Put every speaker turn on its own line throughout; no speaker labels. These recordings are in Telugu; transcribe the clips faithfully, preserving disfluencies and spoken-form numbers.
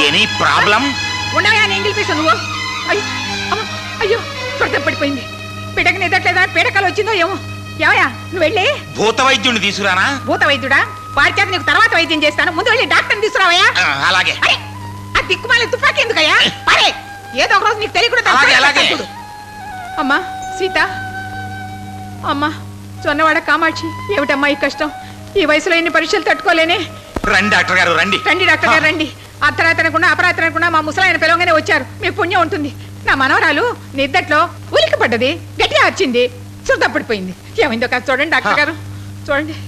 Any problem?
ఉండవా ఎంగిల్ పీసు నువ్వు. అయ్యో అమ్మ, అయ్యో స్వర్గం పడిపోయింది. పిడక నిదట్లేదా పీడకలు వచ్చిందో ఏమో. ఏమయ్యా నువ్వు వెళ్ళి
భూత వైద్యుడిని తీసుకురానా?
భూత వైద్యుడా? వారి చేత నీకు తర్వాత వైద్యం చేస్తాను. ముందు వెళ్ళి డాక్టర్ని తీసుకురావయ్యా.
అలాగే.
అరే ఆ దిక్కుమాలి తుపాకి ఎందుకయ్యా? అరే ఏదో ఒక రోజు నీకు తెలియకుండా. అమ్మా సీత, అమ్మా చొన్నవాడ కామాక్షి, ఏమిటమ్మా ఈ కష్టం? ఈ వయసులో ఎన్ని పరీక్షలు తట్టుకోలేనే.
రండి డాక్టర్ గారు రండి.
రండి డాక్టర్ గారు రండి. అర్ధరాత్రనకుండా అపరాత్రనకుండా మా ముసలాయన పిలవగానే వచ్చారు. మీ పుణ్యం ఉంటుంది. నా మనవరాలు నిద్దట్లో ఉలికి పడ్డది, గట్టిగా వచ్చింది, చుట్టపడిపోయింది. ఏమైందో కాదు చూడండి డాక్టర్ గారు, చూడండి.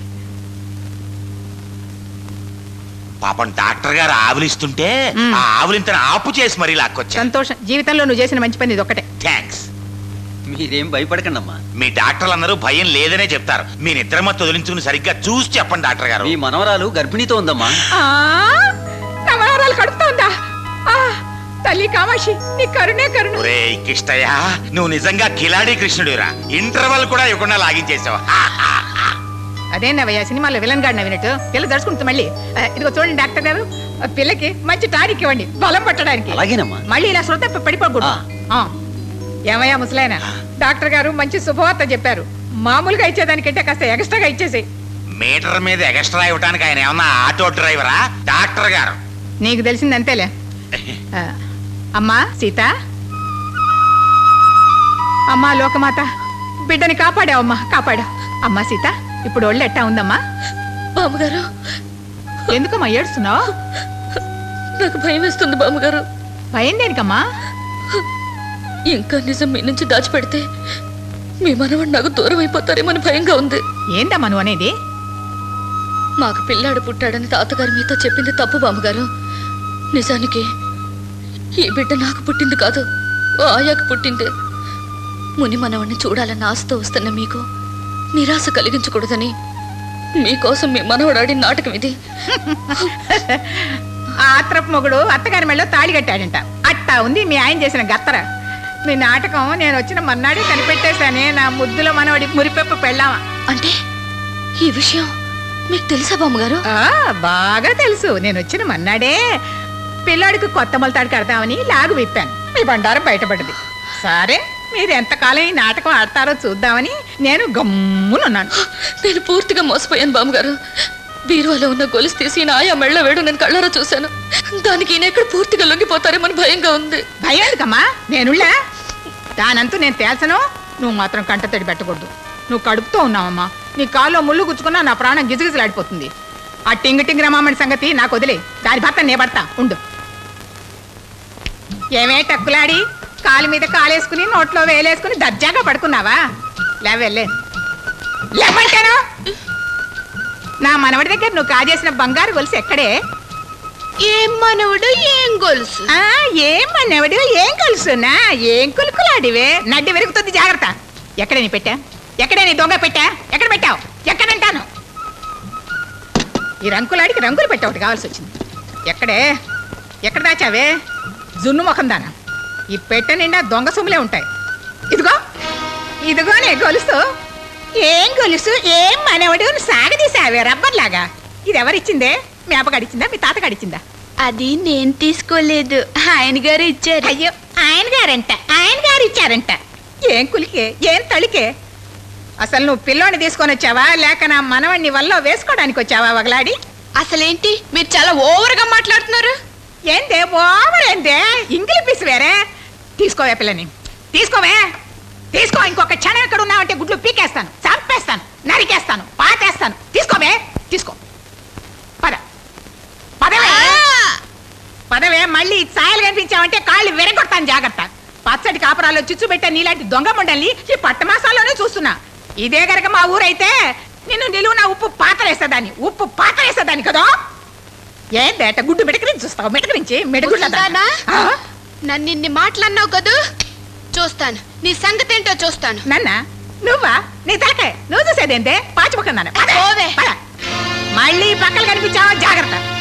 పాపం డాక్టర్ గారు ఆవులిస్తుంటే ఆ ఆవులింతను ఆపు చేసి మరీ లాక్కొచ్చా.
సంతోషం. జీవితంలో నువ్వు చేసిన మంచి పని ఇది ఒక్కటే.
థ్యాంక్స్.
మీరేం భయపడకండి అమ్మా.
మీ డాక్టర్లు అందరూ భయం లేదనే చెప్తారు. మీ నిద్రమత్తు వదిలించుకుని సరిగ్గా చూసి చెప్పండి డాక్టర్ గారు.
మీ మనవరాలు గర్భిణీతో ఉందమ్మా.
నా మనవరాలు కడుపుతోందా? తల్లి కామాక్షి నీ కరుణే కరుణ.
ఒరే కిష్టయ్య, నువ్వు నిజంగా కిలాడి కృష్ణుడిరా. ఇంటర్వల్ కూడా ఇవ్వకుండా లాగించేసావు.
అదేనవయ్యా సినిమాలో విలన్ గాడిన వినట్టు పిల్ల దడుచుకుంటుంది. మళ్ళీ ఇదిగో చూడండి డాక్టర్ గారు, పిల్లకి మంచి టానిక్ ఇవ్వండి బలం పట్టడానికి.
అలాగేనమ్మా.
మళ్ళీ ఇలా శ్రద్ధ పడిపోకూడదు. ఏమయ్యా ముసలాయన, డాక్టర్ గారు మంచి శుభవార్త చెప్పారు. మామూలుగా ఇచ్చేదానికంటే కాస్త ఎక్స్ట్రాగా ఇచ్చేసి.
మీటర్ మీద ఎక్స్ట్రా ఇవ్వడానికి ఆయన ఏమన్నా ఆటో డ్రైవరా? డాక్టర్ గారు.
నీకు తెలిసింది అంతేలే. అమ్మా సీత, అమ్మా లోకమాత, బిడ్డని కాపాడావమ్మా, కాపాడావు. అమ్మా సీత, ఇప్పుడు ఒళ్ళు ఎట్టా ఉందమ్మా?
బామ్మగారు.
ఎందుకమ్మా ఏడుస్తున్నావు?
నాకు భయం వేస్తుంది బామ్మగారు.
భయం దేనికమ్మా?
ఇంకా నిజం మీ నుంచి దాచిపెడితే మీ మనవాడు నాకు దూరం అయిపోతారేమని భయంగా ఉంది.
ఏందమ్మా నువ్వు అనేది?
మాకు పిల్లాడు పుట్టాడని తాతగారు మీతో చెప్పింది తప్పు బామ్మగారు. నిజానికి ఈ బిడ్డ నాకు పుట్టింది కాదు, ఓ ఆయాకు పుట్టింది. ముని మనవాడిని చూడాలన్న ఆశతో వస్తున్న మీకు నిరాశ కలిగించకూడదని మీకోసం మీ మనవడాడి నాటకం ఇది.
ఆత్రపు మొగుడు అత్తగారి మెళ్ళో తాళి కట్టాడంట. అట్టా ఉంది మీ ఆయన చేసిన గత్తర. మీ నాటకం నేను వచ్చిన మన్నాడే కనిపెట్టేశానే. నా ముద్దులో మనవడి మురిపెప్పు పెళ్ళామా.
అంటే ఈ విషయం మీకు తెలుసా బామ్మగారు?
బాగా తెలుసు. నేను వచ్చిన మన్నాడే పిల్లాడికి కొత్త మొలతాడు కడతామని లాగు విప్పాను. మీ బండారం బయటపడ్డది. సరే మీరు ఎంతకాలం ఈ నాటకం ఆడతారో చూద్దామని నేను గమ్మునున్నాను.
నేను పూర్తిగా మోసపోయాను బామ్మగారు. బీరువాలో ఉన్న గొలుసు తీసి నా ఆయా మెళ్ళ వేడు నేను కళ్ళారా చూశాను. దానికి ఈయన ఎక్కడ పూర్తిగా లొంగిపోతారేమని భయంగా ఉంది.
భయం ఎందుకమ్మా? నేనుళ్ళా దానంతూ నేను తేల్చను. నువ్వు మాత్రం కంటతడి పెట్టకూడదు. నువ్వు కడుపుతో ఉన్నావమ్మా. నీ కాల్లో ముళ్ళు గుచ్చుకున్నా నా ప్రాణం గిజగిజలాడిపోతుంది. ఆ టింగ్ టింగ్ రమామణి సంగతి నాకు వదిలే. దాని భర్త నే పడతా ఉండు. ఏమే టక్కులాడి కాలు మీద కాలేసుకుని నోట్లో వేలేసుకుని దర్జాగా పడుకున్నావా? లేవెళ్ళే లేవంటాను. నా మనవడి దగ్గర నువ్వు కాజేసిన బంగారు గొలుసు ఎక్కడే?
ఏం మనవడు ఏం గొలుసు?
ఏం మనవడు ఏం గొలుసునా? ఏం కులుకులాడివే? నడ్డి వెరుగుతుంది, జాగ్రత్త. ఎక్కడే నీ పెట్టా? ఎక్కడే నీ దొంగ పెట్టా? ఎక్కడ పెట్టావు? ఎక్కడంటాను? ఈ రంకులాడికి రంగులు పెట్టా ఒకటి కావాల్సి వచ్చింది. ఎక్కడే? ఎక్కడ దాచావే? జున్ను ముఖం దానా. ఈ పెట్ట నిండా దొంగ సొమ్ములే ఉంటాయి. ఇదిగో ఇదిగోనే గొలుసు. ఏం గొలుసు ఏం మనవడు సాగదీసావే రబ్బర్లాగా. ఇది ఎవరిచ్చిందే? మీ అప్పగడిచ్చిందా మీ తాత గడిచిందా?
అది నేను తీసుకోలేదు, ఆయన గారు ఇచ్చారు.
అయ్యో ఆయన గారంట, ఆయన గారు ఇచ్చారంట. ఏం కులికే ఏం తళికే? అసలు నువ్వు పిల్లోని తీసుకొని వచ్చావా లేక నా మనవణ్ణి వల్ల వేసుకోవడానికి వచ్చావా వగలాడి?
అసలేంటి మీరు చాలా ఓవర్గా మాట్లాడుతున్నారు.
ఏందే ఓవర్ ఏందే? ఇంగిలి పీసు వేరే. తీసుకోవే పిల్లని, తీసుకోవే తీసుకో. ఇంకొక క్షణం ఎక్కడ ఉన్నావంటే గుడ్లు పీకేస్తాను, చంపేస్తాను, నరికేస్తాను, పాతేస్తాను. తీసుకోవే తీసుకో. పద పదవే పదవే. మళ్ళీ సాయలు కనిపించావంటే కాళ్ళు విరగొడతాను, జాగ్రత్త. పచ్చడి కాపురాల్లో చిచ్చు పెట్టే నీలాంటి దొంగ ముండల్ని ఈ పట్టమాసాల్లోనే చూస్తున్నా. ఇదే గనక మా ఊరైతే నిన్ను నిలువున ఉప్పు పాతరేసేదాన్ని, ఉప్పు పాతరేసేదాన్ని కదా. ఏందేట గుడ్డు మెడకరించి చూస్తావు? మెడకరించి మెడగుడ్ల
నన్ను ఇన్ని మాట్లాడినావు కదూ, చూస్తాను నీ సంగతి ఏంటో చూస్తాను.
నన్న నువ్వా? నీ తలకాయ నువ్వు చూసేదేంటే? పాచిపోకున్నాను. మళ్ళీ పక్కలు కనిపించావా? జాగ్రత్త.